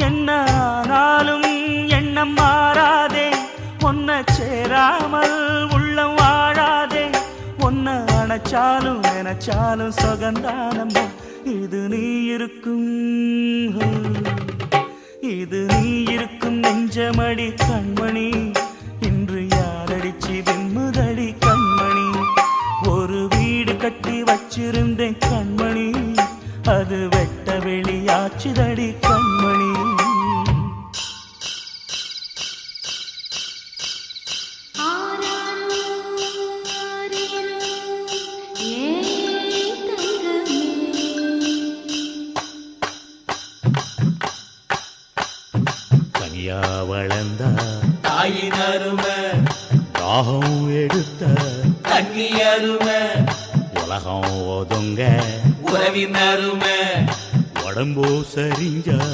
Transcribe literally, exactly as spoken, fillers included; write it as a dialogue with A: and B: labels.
A: என்ன ஆனாலும் எண்ணம் மாறாதே, ஒன்ன சேராமல் உள்ளம் வாழாதே, ஒன்ன அணைச்சாலும் நினைச்சாலும் சொகந்தானம்மா. இது நீ இருக்கும் இது நீ இருக்கும் நெஞ்சமடி கண்மணி, இன்று யாரடிச்சு வெண்முதடி கண்மணி. ஒரு வீடு கட்டி வச்சிருந்தேன் கண்மணி, அது வெட்ட வெளியாச்சுதடி கண்மணி.
B: கனியா வளர்ந்த
C: தாயின் அருமை,
B: தாகம் எடுத்த
C: தண்ணி அருமை,
B: உலகம் ஒதுங்க
C: உறவின் அருமை,
B: உடம்போ சரிஞ்ச